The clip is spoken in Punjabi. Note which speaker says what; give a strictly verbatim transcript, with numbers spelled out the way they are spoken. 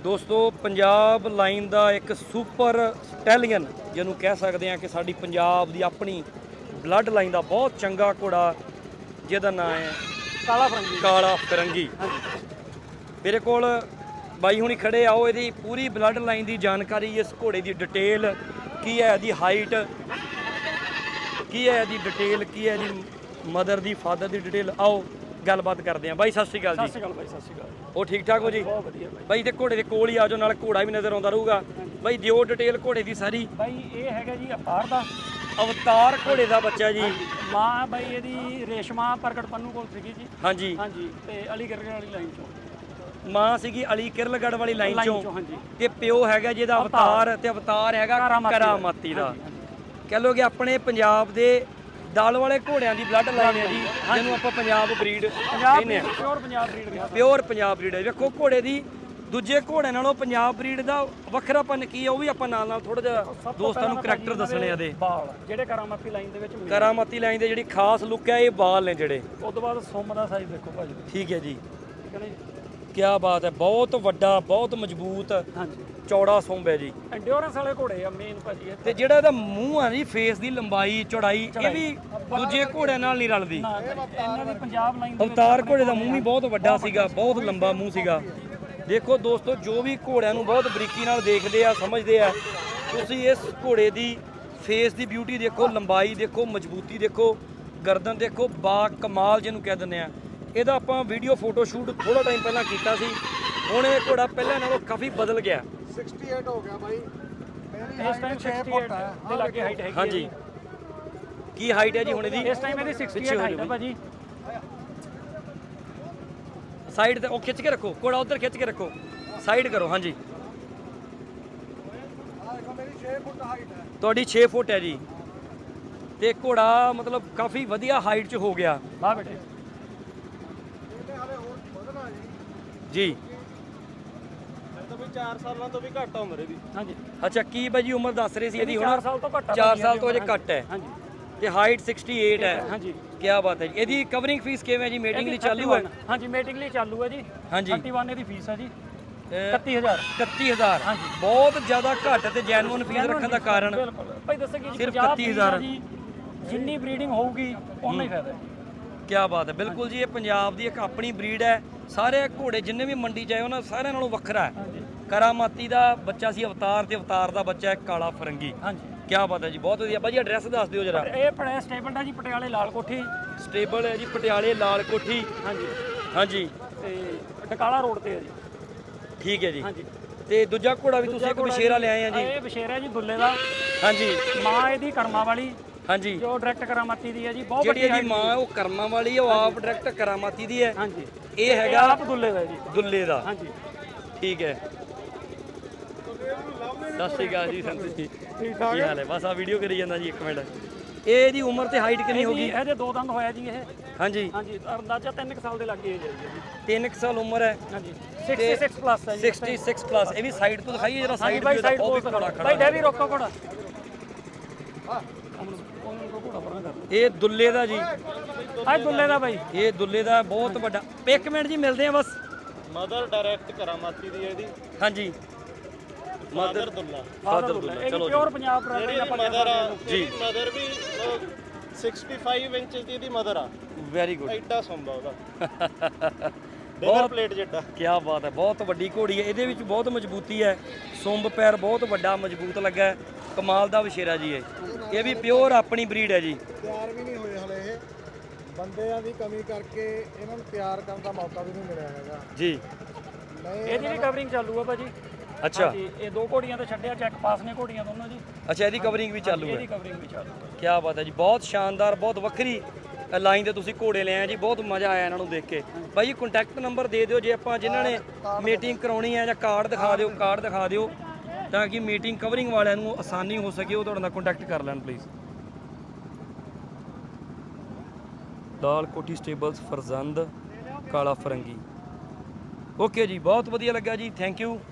Speaker 1: ਦੋਸਤੋ ਪੰਜਾਬ ਲਾਈਨ ਦਾ ਇੱਕ ਸੁਪਰ ਸਟੈਲੀਅਨ ਜਿਹਨੂੰ ਕਹਿ ਸਕਦੇ ਆ ਕਿ ਸਾਡੀ ਪੰਜਾਬ ਦੀ ਆਪਣੀ ਬਲੱਡ ਲਾਈਨ ਦਾ ਬਹੁਤ ਚੰਗਾ ਘੋੜਾ ਜਿਹਦਾ ਨਾਮ ਹੈ
Speaker 2: ਕਾਲਾ ਫਰੰਗੀ
Speaker 1: ਕਾਲਾ ਫਿਰੰਗੀ। ਮੇਰੇ ਕੋਲ ਬਾਈ ਹੁਣੀ ਖੜੇ ਆਓ ਇਹਦੀ ਪੂਰੀ ਬਲੱਡ ਲਾਈਨ ਦੀ ਜਾਣਕਾਰੀ, ਇਸ ਘੋੜੇ ਦੀ ਡਿਟੇਲ ਕੀ ਹੈ, ਇਹਦੀ ਹਾਈਟ ਕੀ ਹੈ, ਇਹਦੀ ਡਿਟੇਲ ਕੀ ਹੈ, ਇਹਦੀ ਮਦਰ ਦੀ ਫਾਦਰ ਦੀ ਡਿਟੇਲ। ਆਓ ਗੱਲਬਾਤ ਕਰਦੇ ਆ। ਬਾਈ ਸਤਿ ਸ਼੍ਰੀ ਅਕਾਲ ਜੀ।
Speaker 2: ਸਤਿ ਸ਼੍ਰੀ ਅਕਾਲ ਬਾਈ, ਸਤਿ ਸ਼੍ਰੀ ਅਕਾਲ।
Speaker 1: ਉਹ ਠੀਕ ਠਾਕ ਹੋ ਜੀ?
Speaker 2: ਬਹੁਤ ਵਧੀਆ ਬਾਈ।
Speaker 1: ਬਾਈ ਤੇ ਘੋੜੇ ਦੇ ਕੋਲ ਹੀ ਆ ਜਾਓ, ਨਾਲ ਘੋੜਾ ਵੀ ਨਜ਼ਰ ਆਉਂਦਾ ਰਹੂਗਾ। ਬਾਈ ਦਿਓ ਡਿਟੇਲ ਘੋੜੇ ਦੀ ਸਾਰੀ।
Speaker 2: ਬਾਈ ਇਹ ਹੈਗਾ ਜੀ ਅਵਤਾਰ ਦਾ
Speaker 1: ਅਵਤਾਰ ਘੋੜੇ ਦਾ ਬੱਚਾ ਜੀ।
Speaker 2: ਮਾਂ ਬਾਈ ਇਹਦੀ ਰੇਸ਼ਮਾ ਪ੍ਰਗਟ ਪੰਨੂ ਕੋਲ ਸੀਗੀ ਜੀ।
Speaker 1: ਹਾਂਜੀ
Speaker 2: ਹਾਂਜੀ, ਤੇ ਅਲੀ ਗਰਗੜ ਵਾਲੀ ਲਾਈਨ ਚੋਂ
Speaker 1: ਮਾਂ ਸੀਗੀ ਅਲੀ ਕਿਰਲਗੜ੍ਹ ਵਾਲੀ ਲਾਈਨ
Speaker 2: ਲਾਈਨ
Speaker 1: ਚੋਂ,
Speaker 2: ਹਾਂਜੀ।
Speaker 1: ਤੇ ਪਿਓ ਹੈਗਾ ਜਿਹਦਾ ਅਵਤਾਰ, ਤੇ ਅਵਤਾਰ ਹੈਗਾ ਕਰਾਮਾਤੀ ਦਾ। ਕਹਿ ਲੋ ਕਿ ਆਪਣੇ ਪੰਜਾਬ ਦੇ ਦਲ ਵਾਲੇ ਘੋੜਿਆਂ ਦੀ ਬਲੱਡ ਲਾਈਨ ਹੈ ਜੀ, ਜਿਹਨੂੰ ਆਪਾਂ ਪੰਜਾਬ ਬਰੀਡ ਕਹਿੰਦੇ ਆ।
Speaker 2: ਪਿਓਰ ਪੰਜਾਬ ਬਰੀਡ ਰਿਹਾ।
Speaker 1: ਪਿਓਰ ਪੰਜਾਬ ਬਰੀਡ ਹੈ। ਵੇਖੋ ਘੋੜੇ ਦੀ ਦੂਜੇ ਘੋੜਿਆਂ ਨਾਲੋਂ ਪੰਜਾਬ ਬਰੀਡ ਦਾ ਵੱਖਰਾਪਨ ਕੀ ਹੈ, ਉਹ ਵੀ ਆਪਾਂ ਨਾਲ ਨਾਲ ਥੋੜਾ ਜਿਹਾ ਦੋਸਤਾਂ ਨੂੰ ਕਰੈਕਟਰ ਦੱਸਣੇ ਆ ਦੇ।
Speaker 2: ਬਾਲ ਜਿਹੜੇ ਕਰਾਮਾਤੀ ਲਾਈਨ ਦੇ ਵਿੱਚ ਮਿਲਦੇ,
Speaker 1: ਕਰਾਮਾਤੀ ਲਾਈਨ ਦੇ ਜਿਹੜੀ ਖਾਸ ਲੁੱਕ ਹੈ ਇਹ ਬਾਲ ਨੇ ਜਿਹੜੇ।
Speaker 2: ਉਸ ਤੋਂ ਬਾਅਦ ਸੁੰਮ ਦਾ ਸਾਈਜ਼ ਦੇਖੋ ਭਾਜੀ।
Speaker 1: ਠੀਕ ਹੈ ਜੀ,
Speaker 2: ਠੀਕ ਹੈ ਨਾ ਜੀ।
Speaker 1: ਕੀ ਬਾਤ ਹੈ, ਬਹੁਤ ਵੱਡਾ, ਬਹੁਤ ਮਜ਼ਬੂਤ,
Speaker 2: ਹਾਂਜੀ,
Speaker 1: ਚੌੜਾ ਸੁੰਬ ਹੈ ਜੀ।
Speaker 2: ਐਂਡਿਓਰੈਂਸ ਵਾਲੇ ਘੋੜੇ ਆ ਮੇਨ ਭਾਜੀ ਇਹ।
Speaker 1: ਤੇ ਜਿਹੜਾ ਇਹਦਾ ਮੂੰਹ ਆ ਜੀ, ਫੇਸ ਦੀ ਲੰਬਾਈ ਚੌੜਾਈ, ਇਹ ਵੀ ਦੂਜੇ ਘੋੜਿਆਂ ਨਾਲ ਨਹੀਂ ਰਲਦੀ।
Speaker 2: ਨਾ ਇਹਨਾਂ ਦੀ ਪੰਜਾਬ ਲਾਈਨ ਦੇ ਵਿੱਚ
Speaker 1: ਅਵਤਾਰ ਘੋੜੇ ਦਾ ਮੂੰਹ ਵੀ ਬਹੁਤ ਵੱਡਾ ਸੀਗਾ, ਬਹੁਤ ਲੰਬਾ ਮੂੰਹ ਸੀਗਾ। ਦੇਖੋ ਦੋਸਤੋ, ਜੋ ਵੀ ਘੋੜਿਆਂ ਨੂੰ ਬਹੁਤ ਬਰੀਕੀ ਨਾਲ ਦੇਖਦੇ ਆ, ਸਮਝਦੇ ਆ, ਤੁਸੀਂ ਇਸ ਘੋੜੇ ਦੀ ਫੇਸ ਦੀ ਬਿਊਟੀ ਦੇਖੋ, ਲੰਬਾਈ ਦੇਖੋ, ਮਜ਼ਬੂਤੀ ਦੇਖੋ, ਗਰਦਨ ਦੇਖੋ, ਬਾ ਕਮਾਲ ਜਿਹਨੂੰ ਕਹਿ ਦਿੰਦੇ ਆ। ਇਹਦਾ ਆਪਾਂ ਵੀਡੀਓ ਫੋਟੋ ਸ਼ੂਟ ਥੋੜਾ ਟਾਈਮ ਪਹਿਲਾਂ ਕੀਤਾ ਸੀ। ਹੁਣ ਇਹ ਘੋੜਾ ਪਹਿਲਾਂ ਨਾਲੋਂ ਕਾਫੀ ਬਦਲ ਗਿਆ।
Speaker 3: ਅਠਾਸੀ ਹੋ ਗਿਆ ਬਾਈ। ਮੇਰੀ
Speaker 2: ਇਸ ਟਾਈਮ ਛੇ ਫੁੱਟ ਦੇ ਲਾਗੇ ਹਾਈਟ ਹੈਗੀ।
Speaker 1: ਹਾਂਜੀ, ਕੀ ਹਾਈਟ ਹੈ ਜੀ ਹੁਣ ਇਹਦੀ?
Speaker 2: ਇਸ ਟਾਈਮ ਇਹਦੀ ਅੜਸਠ ਹਾਈਟ ਹੈ ਭਾਜੀ।
Speaker 1: ਸਾਈਡ ਤੇ ਉਹ ਖਿੱਚ ਕੇ ਰੱਖੋ, ਘੋੜਾ ਉਧਰ ਖਿੱਚ ਕੇ ਰੱਖੋ, ਸਾਈਡ ਕਰੋ। ਹਾਂਜੀ,
Speaker 3: ਮੇਰੀ ਛੇ ਫੁੱਟ ਹਾਈਟ ਹੈ।
Speaker 1: ਤੁਹਾਡੀ ਛੇ ਫੁੱਟ ਹੈ ਜੀ, ਤੇ ਘੋੜਾ ਮਤਲਬ ਕਾਫੀ ਵਧੀਆ ਹਾਈਟ 'ਚ ਹੋ ਗਿਆ।
Speaker 2: ਵਾਹ ਬੇਟੇ,
Speaker 3: ਇਹਨੇ ਹਾਲੇ ਹੋਰ ਵਧਣਾ ਜੀ।
Speaker 1: ਜੀ
Speaker 3: ਤਾਂ ਵੀ ਚਾਰ ਸਾਲਾਂ ਤੋਂ ਵੀ ਘੱਟ ਉਮਰ ਇਹਦੀ।
Speaker 2: ਹਾਂਜੀ।
Speaker 1: ਅੱਛਾ, ਕੀ ਬਾਈ ਜੀ ਉਮਰ ਦੱਸ ਰਹੇ ਸੀ ਇਹਦੀ? ਹੁਣ
Speaker 2: ਚਾਰ ਸਾਲ ਤੋਂ ਘੱਟ ਆ।
Speaker 1: ਚਾਰ ਸਾਲ ਤੋਂ ਅਜੇ ਘੱਟ ਹੈ।
Speaker 2: ਹਾਂਜੀ,
Speaker 1: ਤੇ ਹਾਈਟ ਅੜਸਠ ਹੈ।
Speaker 2: ਹਾਂਜੀ।
Speaker 1: ਕੀ ਬਾਤ ਹੈ ਜੀ। ਇਹਦੀ ਕਵਰਿੰਗ ਫੀਸ ਕਿਵੇਂ ਹੈ ਜੀ? ਮੀਟਿੰਗ ਲਈ ਚਾਲੂ ਹੈ?
Speaker 2: ਹਾਂਜੀ, ਮੀਟਿੰਗ ਲਈ ਚਾਲੂ ਹੈ ਜੀ।
Speaker 1: ਹਾਂਜੀ,
Speaker 2: ਇਕੱਤੀ ਇਹਦੀ ਫੀਸ ਹੈ ਜੀ। ਇਕੱਤੀ ਹਜ਼ਾਰ।
Speaker 1: ਇਕੱਤੀ ਹਜ਼ਾਰ
Speaker 2: ਹਾਂਜੀ,
Speaker 1: ਬਹੁਤ ਜ਼ਿਆਦਾ ਘੱਟ ਤੇ ਜੈਨੂਅਨ ਫੀਸ ਰੱਖਣ ਦਾ ਕਾਰਨ
Speaker 2: ਬਿਲਕੁਲ ਭਾਈ ਦੱਸਿਆ ਕਿ
Speaker 1: ਸਿਰਫ ਇਕੱਤੀ ਹਜ਼ਾਰ।
Speaker 2: ਜਿੰਨੀ ਬਰੀਡਿੰਗ ਹੋਊਗੀ ਉਨਾ ਹੀ ਫਾਇਦਾ ਹੈ।
Speaker 1: ਕੀ ਬਾਤ ਹੈ, ਬਿਲਕੁਲ ਜੀ। ਇਹ ਪੰਜਾਬ ਦੀ ਇੱਕ ਆਪਣੀ ਬਰੀਡ ਹੈ। ਸਾਰੇ ਘੋੜੇ ਜਿੰਨੇ ਵੀ ਮੰਡੀ ਜਾਏ ਉਹਨਾਂ ਸਾਰਿਆਂ ਨਾਲੋਂ ਵੱਖਰਾ ਹੈ। ਕਰਾਮਾਤੀ ਦਾ ਬੱਚਾ ਸੀ ਅਵਤਾਰ, ਤੇ ਅਵਤਾਰ ਦਾ ਬੱਚਾ ਹੈ ਕਾਲਾ ਫਰੰਗੀ।
Speaker 2: ਹਾਂਜੀ,
Speaker 1: ਕੀ ਬਾਤ ਹੈ ਜੀ, ਬਹੁਤ ਵਧੀਆ। ਬਾਜੀ ਐਡਰੈਸ ਦੱਸ ਦਿਓ ਜਰਾ।
Speaker 2: ਇਹ ਪੜਿਆ ਸਟੇਬਲ ਹੈ ਜੀ, ਪਟਿਆਲੇ ਲਾਲ ਕੋਠੀ।
Speaker 1: ਸਟੇਬਲ ਹੈ ਜੀ ਪਟਿਆਲੇ ਲਾਲ ਕੋਠੀ।
Speaker 2: ਹਾਂਜੀ
Speaker 1: ਹਾਂਜੀ,
Speaker 2: ਤੇ ਡਕਾਲਾ ਰੋਡ ਤੇ ਹੈ ਜੀ।
Speaker 1: ਠੀਕ ਹੈ ਜੀ।
Speaker 2: ਹਾਂਜੀ,
Speaker 1: ਤੇ ਦੂਜਾ ਘੋੜਾ ਵੀ ਤੁਸੀਂ ਇੱਕ ਬਸ਼ੇਰਾ ਲਿਆਏ ਆ ਜੀ?
Speaker 2: ਇਹ ਬਸ਼ੇਰਾ ਜੀ ਦੁੱਲੇ ਦਾ।
Speaker 1: ਹਾਂਜੀ,
Speaker 2: ਮਾਂ ਇਹਦੀ ਕਰਮਾ ਵਾਲੀ,
Speaker 1: ਹਾਂਜੀ,
Speaker 2: ਜੋ ਡਾਇਰੈਕਟ ਕਰਾਮਾਤੀ ਦੀ ਹੈ ਜੀ। ਬਹੁਤ
Speaker 1: ਜਿਹੜੀ
Speaker 2: ਵੱਡੀ
Speaker 1: ਇਹਦੀ ਮਾਂ ਉਹ ਕਰਮਾਂ ਵਾਲੀ ਹੈ, ਉਹ ਆਪ ਡਾਇਰੈਕਟ ਕਰਾਮਾਤੀ ਦੀ ਹੈ।
Speaker 2: ਹਾਂਜੀ,
Speaker 1: ਇਹ ਹੈਗਾ
Speaker 2: ਆਪ ਦੁੱਲੇ ਦਾ ਜੀ।
Speaker 1: ਦੁੱਲੇ ਦਾ।
Speaker 2: ਹਾਂਜੀ,
Speaker 1: ਠੀਕ ਹੈ। ਸਤਿ ਸ਼੍ਰੀ ਅਕਾਲ ਜੀ ਸੰਤ ਜੀ,
Speaker 2: ਠੀਕ ਠਾਕ
Speaker 1: ਕੀ ਹਾਲ ਹੈ? ਬਸ ਆ ਵੀਡੀਓ ਕਰੀ ਜਾਂਦਾ ਜੀ, ਇੱਕ ਮਿੰਟ। ਇਹ ਇਹਦੀ ਉਮਰ ਤੇ ਹਾਈਟ ਕਿੰਨੀ ਹੋ ਗਈ?
Speaker 2: ਇਹਦੇ ਦੋ ਦੰਦ ਹੋਇਆ ਜੀ ਇਹ।
Speaker 1: ਹਾਂਜੀ,
Speaker 2: ਹਾਂਜੀ, ਅੰਦਾਜ਼ਾ ਤਿੰਨ ਕੁ ਸਾਲ ਦੇ ਲੱਗੇ ਜੀ।
Speaker 1: ਤਿੰਨ ਕੁ ਸਾਲ ਉਮਰ ਹੈ।
Speaker 2: ਹਾਂਜੀ, ਛਿਆਸੀ ਪਲੱਸ ਹੈ ਜੀ।
Speaker 1: ਛਿਆਸੀ ਪਲੱਸ। ਇਹ ਵੀ ਸਾਈਡ ਤੋਂ ਦਿਖਾਈਏ ਜਰਾ,
Speaker 2: ਹਾਂਜੀ
Speaker 1: ਸਾਈਡ
Speaker 2: ਬਾਈ,
Speaker 1: ਤੇ
Speaker 2: ਸਾਈਡ
Speaker 1: ਉਹ ਵੀ
Speaker 2: ਤੋਂ
Speaker 1: ਘੋੜਾ
Speaker 2: ਬਾਈ
Speaker 1: ਖੜਾ।
Speaker 2: ਡੈਵੀ ਰੋਕੋ ਘੋੜਾ। ਉਹਨਾਂ ਨੂੰ ਘੋੜਾ ਪਰਾਂ ਕਰ।
Speaker 1: ਇਹ ਦੁੱਲੇ ਦਾ ਜੀ,
Speaker 2: ਆ ਦੁੱਲੇ ਦਾ ਬਾਈ।
Speaker 1: ਇਹ ਦੁੱਲੇ ਦਾ ਬਹੁਤ ਵੱਡਾ। ਇੱਕ ਮਿੰਟ ਜੀ, ਮਿਲਦੇ ਆ ਬਸ।
Speaker 3: ਮਦਰ ਡਾਇਰੈਕਟ ਕਰਾਮਾਤੀ ਦੀ ਹੈ ਇਹਦੀ।
Speaker 1: ਹਾਂਜੀ,
Speaker 3: ਮਦਰ ਦੁੱਲਾ।
Speaker 1: ਫਾਦਰ ਦੁੱਲਾ।
Speaker 2: ਇਹ
Speaker 1: ਚਲੋ
Speaker 2: ਪਿਓਰ
Speaker 1: ਜੀ,
Speaker 2: ਪੰਜਾਬ ਦਾ
Speaker 3: ਜਿਹੜੀ ਮਦਰ ਆ
Speaker 1: ਜੀ।
Speaker 3: ਮਦਰ ਵੀ ਪੈਂਸਠ ਇੰਚਸ ਦੀ ਇਹਦੀ ਮਦਰ ਆ।
Speaker 1: Very good.
Speaker 3: ਐਡਾ ਸੰਭਾ ਉਹਦਾ ਬਹੁਤ ਪਲੇਟ ਜਿੱਡਾ।
Speaker 1: ਕੀ ਬਾਤ ਹੈ, ਬਹੁਤ ਵੱਡੀ ਘੋੜੀ ਹੈ। ਇਹਦੇ ਵਿੱਚ ਬਹੁਤ ਮਜ਼ਬੂਤੀ ਹੈ, ਸੁੰਬ ਪੈਰ ਬਹੁਤ ਵੱਡਾ ਮਜ਼ਬੂਤ ਲੱਗਾ ਹੈ। ਕਮਾਲ ਦਾ ਵਸ਼ੇਰਾ ਜੀ ਇਹ। ਇਹ ਵੀ ਪਿਓਰ ਆਪਣੀ ਬਰੀਡ ਹੈ ਜੀ।
Speaker 3: ਤਿਆਰ ਵੀ ਨਹੀਂ ਹੋਏ ਹਲੇ ਇਹ, ਬੰਦਿਆਂ ਦੀ ਕਮੀ ਕਰਕੇ ਇਹਨਾਂ ਨੂੰ ਤਿਆਰ ਕਰਨ ਦਾ ਮੌਕਾ ਵੀ ਨਹੀਂ ਮਿਲਿਆ ਹੈਗਾ
Speaker 1: ਜੀ।
Speaker 3: ਨਹੀਂ
Speaker 2: ਇਹਦੀ ਵੀ ਕਵਰਿੰਗ ਚਾਲੂ ਆ ਭਾਜੀ।
Speaker 1: ਅੱਛਾ,
Speaker 2: ਹਾਂਜੀ, ਇਹ ਦੋ ਘੋੜੀਆਂ ਤੇ ਛੱਡਿਆ, ਚੈੱਕ ਪਾਸ ਨੇ ਘੋੜੀਆਂ ਦੋਨੋਂ ਜੀ।
Speaker 1: ਅੱਛਾ, ਇਹਦੀ ਕਵਰਿੰਗ ਵੀ ਚਾਲੂ ਹੈ।
Speaker 2: ਇਹਦੀ ਕਵਰਿੰਗ ਵੀ ਚਾਲੂ ਹੈ।
Speaker 1: ਕੀ ਬਾਤ ਹੈ ਜੀ, ਬਹੁਤ ਸ਼ਾਨਦਾਰ, ਬਹੁਤ ਵੱਖਰੀ ਲਾਈਨ ਤੇ ਤੁਸੀਂ ਘੋੜੇ ਲਿਆ ਜੀ। ਬਹੁਤ ਮਜ਼ਾ ਆਇਆ ਇਹਨਾਂ ਨੂੰ ਦੇਖ ਕੇ। ਬਾਈ ਜੀ ਕੰਟੈਕਟ ਨੰਬਰ ਦੇ ਦਿਓ, ਜੇ ਆਪਾਂ ਜਿਨ੍ਹਾਂ ਨੇ ਮੀਟਿੰਗ ਕਰਾਉਣੀ ਹੈ, ਜਾਂ ਕਾਰਡ ਦਿਖਾ ਦਿਓ, ਕਾਰਡ ਦਿਖਾ ਦਿਓ, ਤਾਂ ਕਿ ਮੀਟਿੰਗ ਕਵਰਿੰਗ ਵਾਲਿਆਂ ਨੂੰ ਆਸਾਨੀ ਹੋ ਸਕੇ, ਉਹ ਤੁਹਾਡੇ ਨਾਲ ਕੰਟੈਕਟ ਕਰ ਲੈਣ ਪਲੀਜ਼। ਲਾਲ ਕੋਠੀ ਸਟੇਬਲਸ, ਫਰਜ਼ੰਦ, ਕਾਲਾ ਫਰੰਗੀ। ਓਕੇ ਜੀ, ਬਹੁਤ ਵਧੀਆ ਲੱਗਾ ਜੀ, ਥੈਂਕ ਯੂ।